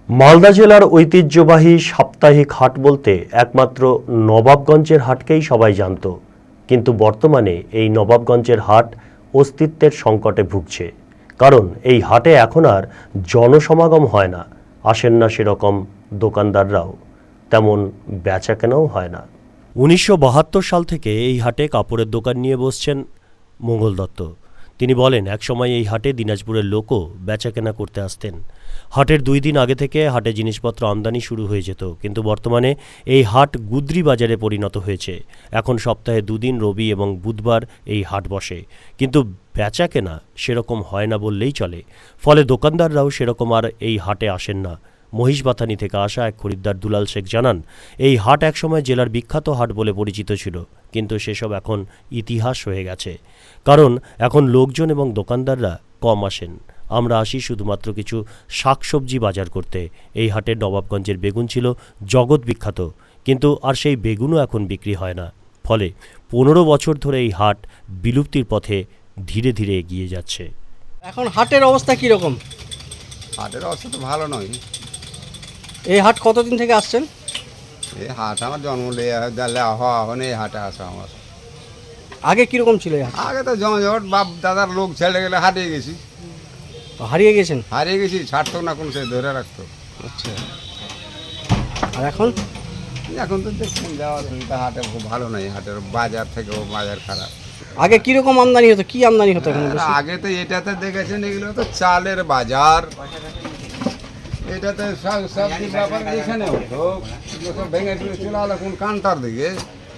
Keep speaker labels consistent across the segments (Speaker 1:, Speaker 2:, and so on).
Speaker 1: মালদা জেলার ঐতিহ্যবাহী সাপ্তাহিক হাট বলতে একমাত্র নবাবগঞ্জের হাটকেই সবাই জানত, কিন্তু বর্তমানে এই নবাবগঞ্জের হাট অস্তিত্বের সংকটে ভুগছে। কারণ এই হাটে এখন আর জনসমাগম হয় না, আসেন না সেরকম দোকানদাররাও, তেমন বেচাকেনাও হয় না। 1972 সাল থেকে এই হাটে কাপড়ের দোকান নিয়ে বসছেন মঙ্গল দত্ত। তিনি বলেন, একসময় এই হাটে দিনাজপুরের লোকও বেচাকেনা করতে আসতেন। হাটের 2 দিন আগে থেকে হাটে জিনিসপত্র আমদানি শুরু হয়ে যেত, কিন্তু বর্তমানে এই হাট গুদ্রি বাজারে পরিণত হয়েছে। এখন সপ্তাহে 2 দিন, রবি এবং বুধবার এই হাট বসে, কিন্তু বেচাকেনা সেরকম হয় না বললেই চলে। ফলে দোকানদাররাও সেরকম আর এই হাটে আসেন না। মহিষবাথানি থেকে আসা এক খরিদ্দার দুলাল শেখ জানান, এই হাট একসময় জেলার বিখ্যাত হাট বলে পরিচিত ছিল, কিন্তু সেসব এখন ইতিহাস হয়ে গেছে। কারণ এখন লোকজন এবং দোকানদাররা কম আসেন। আমরা আসি শুধুমাত্র কিছু শাকসবজি বাজার করতে। এই হাটের নবাবগঞ্জের বেগুন ছিল জগৎ বিখ্যাত, কিন্তু আর সেই বেগুনও এখন বিক্রি হয় না। ফলে 15 বছর ধরে এই হাট বিলুপ্তির পথে ধীরে ধীরে এগিয়ে যাচ্ছে।
Speaker 2: এখন হাটের অবস্থা কীরকম?
Speaker 3: হাটের অবস্থা তো ভালো নয়।
Speaker 2: এই হাট কতদিন থেকে আসছেন?
Speaker 3: এই হাট আমার জন্ম হওয়া এখন এই হাটে আসা আমার।
Speaker 2: আগে কীরকম ছিল এই হাট?
Speaker 3: আগে তো জমজট, বাপ দাদার লোক ছেড়ে গেলে হারিয়ে গেছি।
Speaker 2: হারিয়ে গেছেন?
Speaker 3: হারিয়ে গেছি, ছাড়তো না কোনো, সে ধরে রাখতো।
Speaker 2: আচ্ছা। আর এখন?
Speaker 3: এখন তো দেখছেন যাওয়া হাটে খুব ভালো নয়, হাটের বাজার থেকেও বাজার খারাপ।
Speaker 2: আগে কীরকম আমদানি হতো, কি আমদানি হতো এখন?
Speaker 3: আগে তো এটাতে দেখেছেন, এগুলো তো চালের বাজার, এটাতে সবজির ব্যাপার এখানে হতো, সব ভেঙে চলে চলে আলো কোন কান্টার দিকে।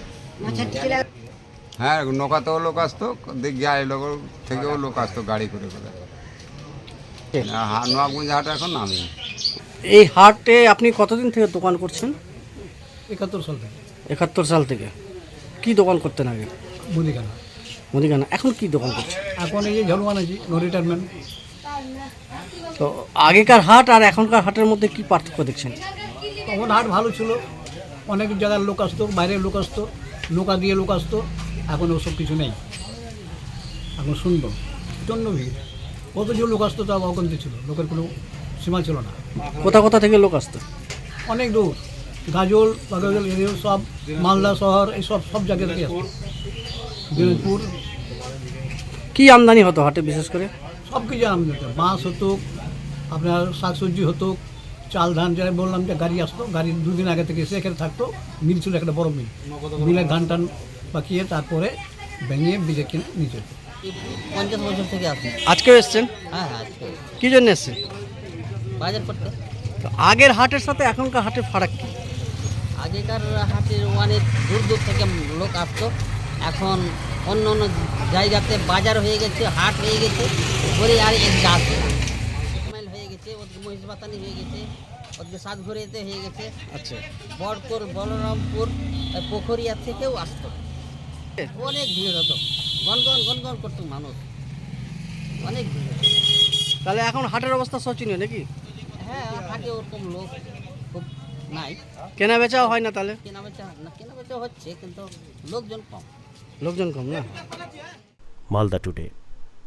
Speaker 3: হ্যাঁ, নৌকাতেও লোক আসতো, গাড়ি লোক থেকেও লোক আসতো গাড়ি করে করে। নবাবগঞ্জ হাটে এখন নামি।
Speaker 2: এই হাটে আপনি কতদিন থেকে দোকান করছেন?
Speaker 4: 71 সাল থেকে।
Speaker 2: 71 সাল থেকে। কি দোকান করতেন আগে?
Speaker 4: মুদিখানা।
Speaker 2: মুদিখানা। এখন কি দোকান করছেন?
Speaker 4: এখন এই যে ঝলমান আছি, নো রিটায়ারমেন্ট।
Speaker 2: তো আগেকার হাট আর এখনকার হাটের মধ্যে কি পার্থক্য দেখছেন?
Speaker 4: তখন হাট ভালো ছিল, অনেক জায়গার লোক আসতো, বাইরের লোক আসতো, নৌকা দিয়ে লোক আসতো। এখন ওসব কিছু নেই, এখন সুন্দর প্রচণ্ড ভিড়। কত যে লোক আসতো তা অগন্তি ছিল, লোকের কোনো সীমা ছিল না।
Speaker 2: কোথা কোথা থেকে লোক আসতো?
Speaker 4: অনেক দূর, গাজল বাগাজল এরিয়া সব, মালদা শহর, এই সব জায়গা থেকে আসতো। দিনাজপুর।
Speaker 2: কি আমদানি হতো হাটে বিশেষ করে?
Speaker 4: সব কিছু আমদানি হতো, মাছ হতো, আপনার শাকসবজি হতো, চাল ধান, যারা বললাম যে গাড়ি আসতো, গাড়ি 2 দিন আগে থেকে এসে এখানে থাকতো। মিল ছিল একটা বড় মিল, মিলে ধান টান পাকিয়ে তারপরে ভেঙে বিজে কিনে নিচে।
Speaker 5: 50 বছর থেকে আসি।
Speaker 2: আজকেও এসছেন?
Speaker 5: হ্যাঁ হ্যাঁ, আজকে
Speaker 2: কী জন্য এসছেন?
Speaker 5: বাজার করতে।
Speaker 2: তো আগের হাটের সাথে এখনকার হাটের ফারাক কি?
Speaker 5: আগেকার হাটের অনেক দূর দূর থেকে লোক আসতো, এখন অন্য অন্য জায়গাতে বাজার হয়ে গেছে, হাট হয়ে গেছে, ঘুরে আর এক আসে মাইল হয়ে গেছে, ওদিকে মহিষবাতানি হয়ে গেছে, ওদিকে সাতঘুরিয়াতে হয়ে গেছে।
Speaker 2: আচ্ছা।
Speaker 5: বড়পুর, বলরামপুর, পোখরিয়া থেকেও আসতো। অনেক ভিড় হতো, গনগন গনগন করতো মানুষ, অনেক ভিড় হতো।
Speaker 2: তাহলে এখন হাটের অবস্থা শোচনীয় নাকি?
Speaker 5: হ্যাঁ, হাটে ওরকম লোক খুব নাই,
Speaker 2: কেনা বেচাও হয় না তাহলে?
Speaker 5: কেনা বেচা হচ্ছে, কিন্তু লোকজন কম।
Speaker 2: লোকজন কম না?
Speaker 1: মালদা টুডে।